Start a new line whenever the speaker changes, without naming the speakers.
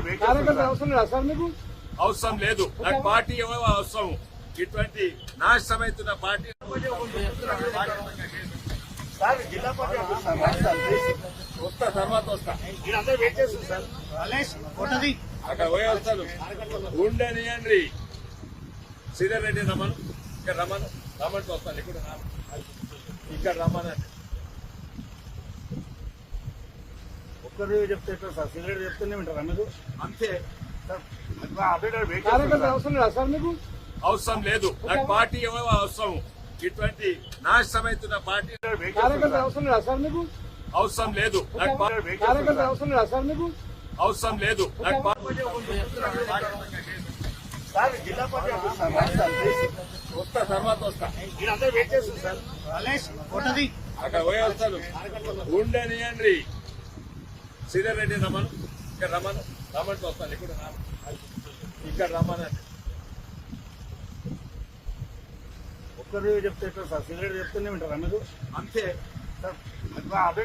కార్యకర్త అవసరం లేదా సార్ మీకు?
అవసరం లేదు. నాకు పార్టీ ఏమో అవసరం. ఇటువంటి నాశనమైతున్న పార్టీ
జిల్లా పార్టీ
వస్తా, తర్వాత వస్తా.
అందరూ వెయిట్ చేస్తుంది సార్.
అక్కడ పోయి వస్తాను. ఉండనియండి. శ్రీధర్ రెడ్డి రమ్మను, ఇక్కడ రమ్మంటూ వస్తాను. ఇక్కడ రమ్మనండి.
ఒక్కరు చెప్తే ఎట్లా సార్? సిగరెట్ చెప్తూనే వింటారా మీరు?
అంతే.
కార్యకర్త అవసరం లేదా సార్ మీకు?
అవసరం లేదు. నాకు పార్టీ ఏమో అవసరం. ఇటువంటి నాశనమైతున్న పార్టీ
కార్యకర్త అవసరం లేదా సార్ మీకు?
అవసరం లేదు. నాకు
కార్యకర్త అవసరం లేదా సార్ మీకు?
అవసరం లేదు. నాకు
జిల్లా పార్టీ
వస్తా, తర్వాత వస్తా.
అందరూ వెయిట్ చేస్తుంది సార్.
అక్కడ పోయి వస్తాను. ఉండనియండి. శ్రీధర్ రెడ్డి రమ్మను, ఇక్కడ రమ్మంటూ వస్తాను. ఇక్కడ రమ్మనండి.
ఒక్కరు చెప్తే ఎట్లా సార్? సిగరెట్ చెప్తూనే వింటారా మీరు?
అంతే.
సార్